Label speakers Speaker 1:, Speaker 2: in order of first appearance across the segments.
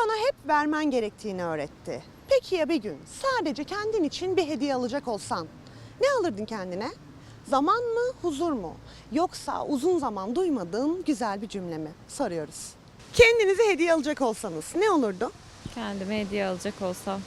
Speaker 1: sana hep vermen gerektiğini öğretti. Peki ya bir gün sadece kendin için bir hediye alacak olsan ne alırdın kendine? Zaman mı, huzur mu? Yoksa uzun zaman duymadığın güzel bir cümle mi? Soruyoruz. Kendinize hediye alacak olsanız ne olurdu?
Speaker 2: Kendime hediye alacak olsam.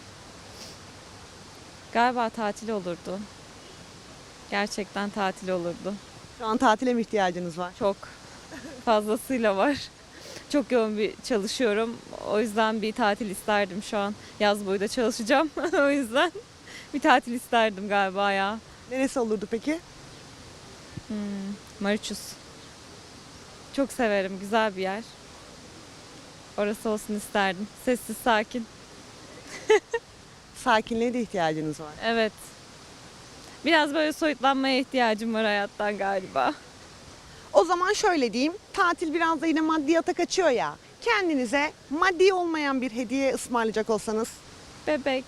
Speaker 2: Galiba tatil olurdu. Gerçekten tatil olurdu.
Speaker 1: Şu an tatile mi ihtiyacınız var?
Speaker 2: Çok fazlasıyla var. Çok yoğun bir çalışıyorum. O yüzden bir tatil isterdim şu an. Yaz boyu da çalışacağım. O yüzden bir tatil isterdim galiba ya.
Speaker 1: Neresi olurdu peki?
Speaker 2: Mauritius. Çok severim. Güzel bir yer. Orası olsun isterdim. Sessiz, sakin.
Speaker 1: Sakinliğe de ihtiyacınız var.
Speaker 2: Evet. Biraz böyle soyutlanmaya ihtiyacım var hayattan galiba.
Speaker 1: O zaman şöyle diyeyim, tatil biraz da yine maddiyata kaçıyor ya. Kendinize maddi olmayan bir hediye ısmarlayacak olsanız
Speaker 2: Bebek.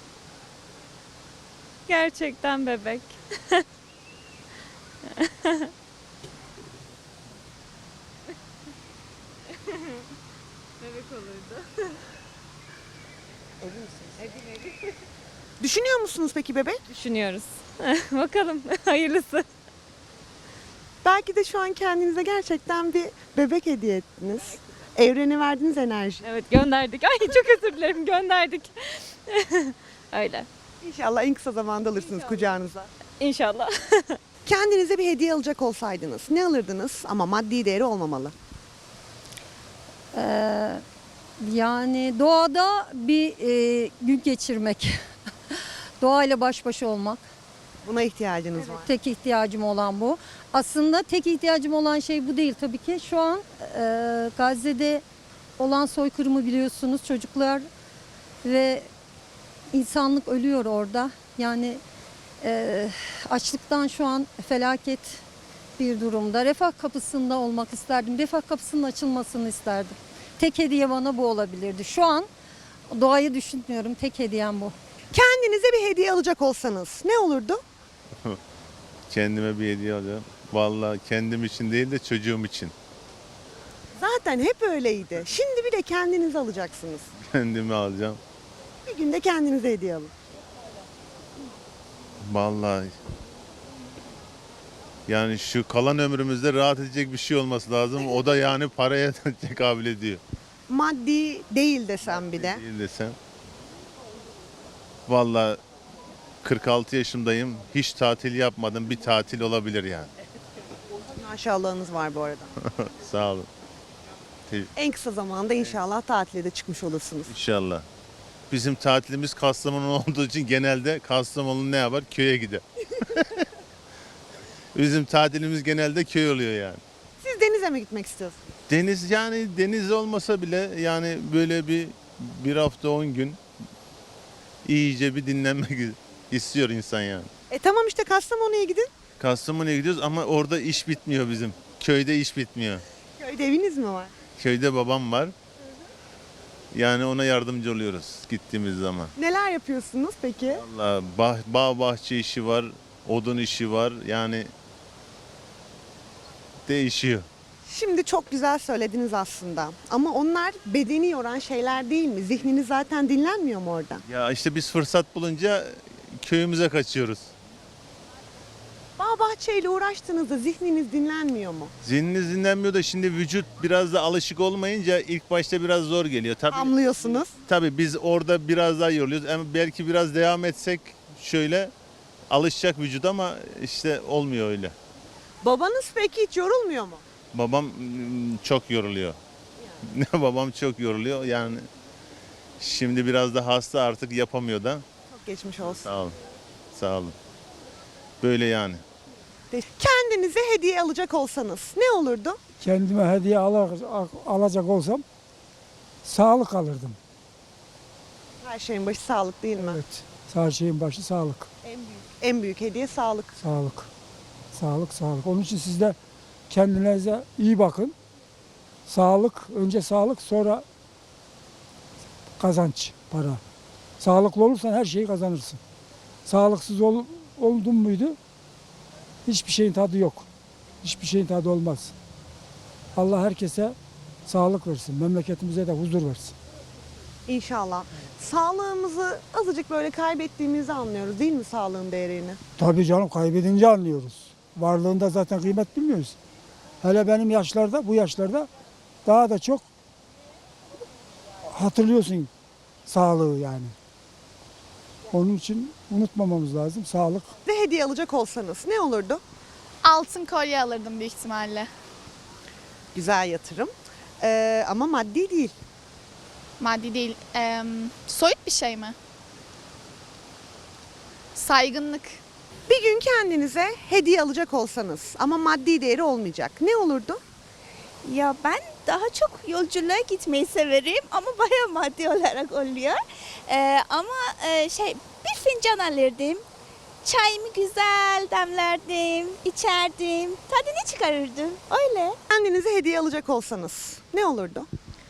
Speaker 2: Gerçekten bebek. Bebek olurdu.
Speaker 1: düşünüyor musunuz peki bebek?
Speaker 2: Düşünüyoruz. Bakalım hayırlısı.
Speaker 1: Belki de şu an kendinize gerçekten bir bebek hediye ettiniz. Evrene verdiğiniz enerji.
Speaker 2: Evet gönderdik. Ay çok özür dilerim gönderdik. Öyle.
Speaker 1: İnşallah en kısa zamanda alırsınız kucağınıza.
Speaker 2: İnşallah.
Speaker 1: Kendinize bir hediye alacak olsaydınız ne alırdınız ama maddi değeri olmamalı?
Speaker 3: Yani doğada bir gün geçirmek. Doğayla baş başa olmak.
Speaker 1: Buna ihtiyacınız var.
Speaker 3: Tek ihtiyacım olan bu. Aslında tek ihtiyacım olan şey bu değil tabii ki. Şu an Gazze'de olan soykırımı biliyorsunuz. Çocuklar ve insanlık ölüyor orada. Yani açlıktan şu an felaket bir durumda. Refah kapısında olmak isterdim. Refah kapısının açılmasını isterdim. Tek hediye bana bu olabilirdi. Şu an doğayı düşünmüyorum. Tek hediyem bu.
Speaker 1: Kendinize bir hediye alacak olsanız ne olurdu?
Speaker 4: Kendime bir hediye alıyorum. Vallahi kendim için değil de çocuğum için.
Speaker 1: Zaten hep öyleydi. Şimdi bir de kendinize alacaksınız.
Speaker 4: Kendime alacağım.
Speaker 1: Bir günde kendinize hediye alın.
Speaker 4: Vallahi. Yani şu kalan ömrümüzde rahat edecek bir şey olması lazım. O da yani paraya tekabül ediyor.
Speaker 1: Maddi değil desem bir de.
Speaker 4: Değil desem. Vallahi 46 yaşındayım. Hiç tatil yapmadım. Bir tatil olabilir yani.
Speaker 1: Maşallahınız var bu arada.
Speaker 4: Sağ olun.
Speaker 1: En kısa zamanda inşallah tatile de çıkmış olursunuz.
Speaker 4: İnşallah. Bizim tatilimiz Kastamonu olduğu için genelde Kastamonu ne yapar? Köye gider. Bizim tatilimiz genelde köy oluyor yani.
Speaker 1: Siz denize mi gitmek istiyorsunuz?
Speaker 4: Deniz yani deniz olmasa bile yani böyle bir hafta 10 gün iyice bir dinlenmek istiyor insan yani.
Speaker 1: Tamam işte Kastamonu'ya gidin.
Speaker 4: Kastamonu'ya gidiyoruz ama orada iş bitmiyor bizim. Köyde iş bitmiyor.
Speaker 1: Köyde eviniz mi var?
Speaker 4: Köyde babam var. Yani ona yardımcı oluyoruz gittiğimiz zaman.
Speaker 1: Neler yapıyorsunuz peki?
Speaker 4: Vallahi bağ bahçe işi var, odun işi var. Yani değişiyor.
Speaker 1: Şimdi çok güzel söylediniz aslında. Ama onlar bedeni yoran şeyler değil mi? Zihniniz zaten dinlenmiyor mu orada?
Speaker 4: Ya işte biz fırsat bulunca köyümüze kaçıyoruz.
Speaker 1: Bağ bahçeyle uğraştığınızda zihniniz dinlenmiyor mu?
Speaker 4: Zihniniz dinlenmiyor da şimdi vücut biraz da alışık olmayınca ilk başta biraz zor geliyor. Tabii biz orada biraz daha yoruluyoruz. Ama belki biraz devam etsek şöyle alışacak vücut ama işte olmuyor öyle.
Speaker 1: Babanız peki hiç yorulmuyor mu?
Speaker 4: Babam çok yoruluyor. Babam çok yoruluyor. Yani şimdi biraz da hasta artık yapamıyor da.
Speaker 1: Çok geçmiş olsun.
Speaker 4: Sağ olun. Sağ olun. Böyle yani.
Speaker 1: Kendinize hediye alacak olsanız ne olurdu?
Speaker 5: Kendime hediye alacak olsam sağlık alırdım.
Speaker 1: Her şeyin başı sağlık değil mi?
Speaker 5: Evet. Her şeyin başı sağlık.
Speaker 1: En büyük hediye sağlık.
Speaker 5: Sağlık. Sağlık, sağlık. Onun için siz de kendinize iyi bakın. Sağlık, önce sağlık, sonra kazanç, para. Sağlıklı olursan her şeyi kazanırsın. Sağlıksız oldun muydu hiçbir şeyin tadı yok. Hiçbir şeyin tadı olmaz. Allah herkese sağlık versin. Memleketimize de huzur versin.
Speaker 1: İnşallah. Sağlığımızı azıcık böyle kaybettiğimizi anlıyoruz değil mi sağlığın değerini?
Speaker 5: Tabii canım, kaybedince anlıyoruz. Varlığında zaten kıymet bilmiyoruz. Hele benim yaşlarda, bu yaşlarda daha da çok hatırlıyorsun sağlığı yani. Onun için unutmamamız lazım sağlık.
Speaker 1: Ve hediye alacak olsanız ne olurdu?
Speaker 6: Altın kolye alırdım büyük ihtimalle.
Speaker 1: Güzel yatırım. Ama maddi değil.
Speaker 6: Maddi değil. Soyut bir şey mi? Saygınlık.
Speaker 1: Bir gün kendinize hediye alacak olsanız ama maddi değeri olmayacak. Ne olurdu?
Speaker 7: Ya ben daha çok yolculuğa gitmeyi severim ama bayağı maddi olarak oluyor. Bir fincan alırdım. Çayımı güzel demlerdim, içerdim, tadını çıkarırdım. Öyle.
Speaker 1: Kendinize hediye alacak olsanız ne olurdu?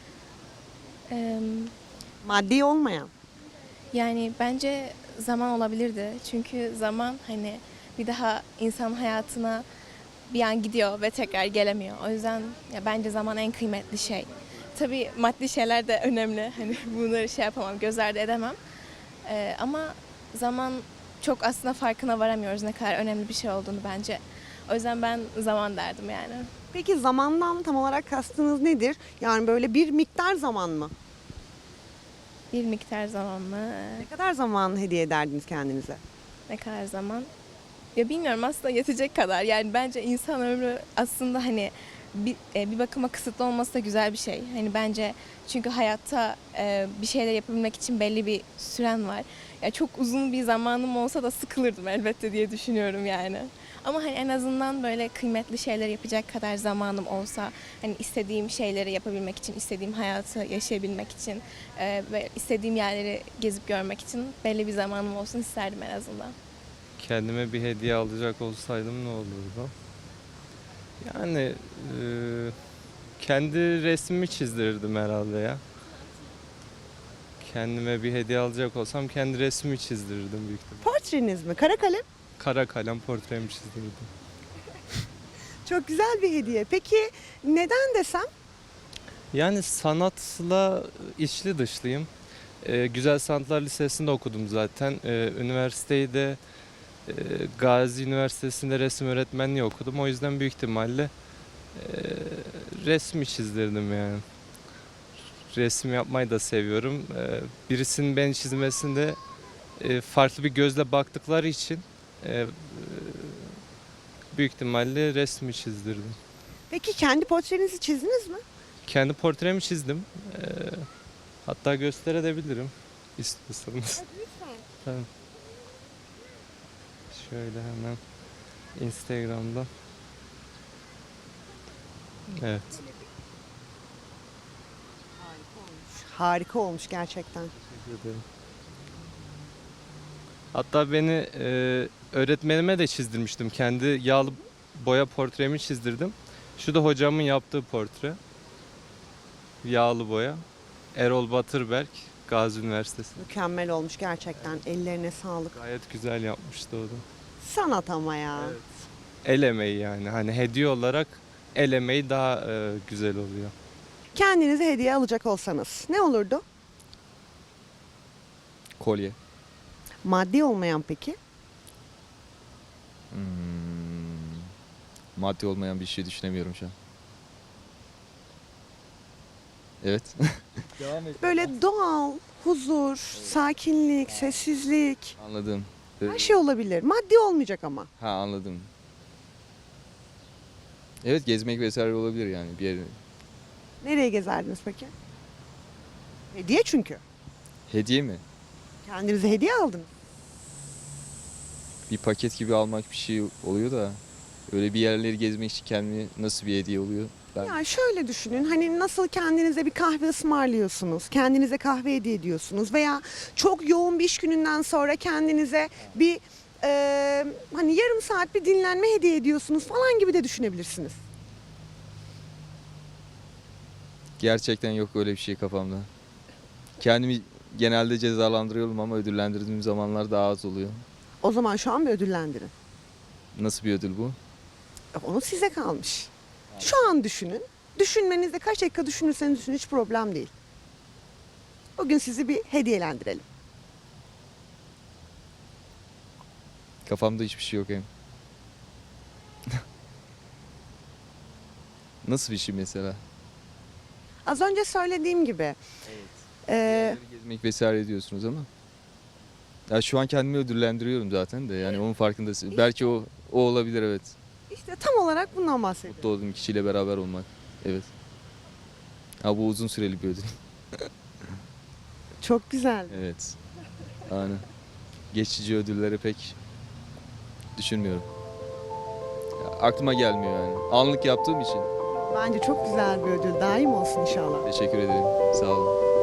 Speaker 1: Maddi olmayan.
Speaker 8: Yani bence zaman olabilirdi. Çünkü zaman hani bir daha insan hayatına bir an gidiyor ve tekrar gelemiyor. O yüzden ya bence zaman en kıymetli şey. Tabii maddi şeyler de önemli. Hani bunları şey yapamam, göz ardı edemem. Ama zaman çok aslında farkına varamıyoruz ne kadar önemli bir şey olduğunu bence. O yüzden ben zaman derdim yani.
Speaker 1: Peki zamandan tam olarak kastınız nedir? Yani böyle bir miktar zaman mı?
Speaker 8: Bir miktar zaman mı?
Speaker 1: Ne kadar zaman hediye ederdiniz kendinize?
Speaker 8: Ne kadar zaman? Ya bilmiyorum, aslında yetecek kadar. Yani bence insan ömrü aslında hani bir bakıma kısıtlı olması da güzel bir şey. Hani bence çünkü hayatta bir şeyler yapabilmek için belli bir süren var. Ya çok uzun bir zamanım olsa da sıkılırdım elbette diye düşünüyorum yani. Ama hani en azından böyle kıymetli şeyler yapacak kadar zamanım olsa, hani istediğim şeyleri yapabilmek için, istediğim hayatı yaşayabilmek için ve istediğim yerleri gezip görmek için belli bir zamanım olsun isterdim en azından.
Speaker 9: Kendime bir hediye alacak olsaydım ne olurdu? Yani kendi resmimi çizdirirdim herhalde ya. Kendime bir hediye alacak olsam kendi resmimi çizdirirdim büyük ihtimalle.
Speaker 1: Portreniz mi? Kara kalem?
Speaker 9: Kara kalem portremi çizdirirdim.
Speaker 1: Çok güzel bir hediye. Peki neden desem?
Speaker 9: Yani sanatla içli dışlıyım. Güzel Sanatlar Lisesi'nde okudum zaten. Üniversiteyi de Gazi Üniversitesi'nde resim öğretmenliği okudum. O yüzden büyük ihtimalle resmi çizdirdim yani. Resim yapmayı da seviyorum. Birisinin beni çizmesinde farklı bir gözle baktıkları için büyük ihtimalle resmi çizdirdim.
Speaker 1: Peki kendi portrenizi çizdiniz mi?
Speaker 9: Kendi portremi çizdim. Hatta gösterebilirim istiyorsanız. Tamam. Şöyle hemen Instagram'da. Evet.
Speaker 1: Harika olmuş gerçekten.
Speaker 9: Teşekkür ederim. Hatta beni öğretmenime de çizdirmiştim. Kendi yağlı boya portremi çizdirdim. Şu da hocamın yaptığı portre. Yağlı boya. Erol Batırberk, Gazi Üniversitesi.
Speaker 1: Mükemmel olmuş gerçekten. Ellerine sağlık.
Speaker 9: Gayet güzel yapmıştı o da.
Speaker 1: Sanat ama ya.
Speaker 9: Evet. El emeği yani. Hani hediye olarak el emeği daha güzel oluyor.
Speaker 1: Kendinize hediye alacak olsanız ne olurdu?
Speaker 10: Kolye.
Speaker 1: Maddi olmayan peki?
Speaker 10: Maddi olmayan bir şey düşünemiyorum şu an. Evet. Devam et.
Speaker 1: Böyle doğal, huzur, sakinlik, sessizlik.
Speaker 10: Anladım.
Speaker 1: Her şey olabilir. Maddi olmayacak ama.
Speaker 10: Ha, anladım. Evet, gezmek vesaire olabilir yani bir yere.
Speaker 1: Nereye gezerdiniz peki? Hediye çünkü.
Speaker 10: Hediye mi?
Speaker 1: Kendinize hediye aldınız.
Speaker 10: Bir paket gibi almak bir şey oluyor da öyle bir yerleri gezmek için kendime nasıl bir hediye oluyor?
Speaker 1: Ya şöyle düşünün, hani nasıl kendinize bir kahve ısmarlıyorsunuz, kendinize kahve hediye ediyorsunuz veya çok yoğun bir iş gününden sonra kendinize bir hani yarım saat bir dinlenme hediye ediyorsunuz falan gibi de düşünebilirsiniz.
Speaker 10: Gerçekten yok öyle bir şey kafamda. Kendimi genelde cezalandırıyorum ama ödüllendirdiğim zamanlar daha az oluyor.
Speaker 1: O zaman şu an bir ödüllendirin.
Speaker 10: Nasıl bir ödül bu?
Speaker 1: Onu size kalmış. Şu an düşünün. Düşünmenizde kaç dakika düşünürseniz düşünün hiç problem değil. Bugün sizi bir hediyelendirelim.
Speaker 10: Kafamda hiçbir şey yok hem. Nasıl bir şey mesela?
Speaker 1: Az önce söylediğim gibi.
Speaker 10: Yerleri gezmek vesaire diyorsunuz ama. Ya şu an kendimi ödüllendiriyorum zaten de yani onun farkındasın. Belki o olabilir, evet.
Speaker 1: İşte tam olarak bundan bahsediyorum.
Speaker 10: Mutlu olduğum kişiyle beraber olmak. Evet. Ha bu uzun süreli bir ödül.
Speaker 1: Çok güzel.
Speaker 10: Evet. Aynen. Geçici ödülleri pek düşünmüyorum. Ya, aklıma gelmiyor yani. Anlık yaptığım için.
Speaker 1: Bence çok güzel bir ödül. Daim olsun inşallah.
Speaker 10: Teşekkür ederim. Sağ olun.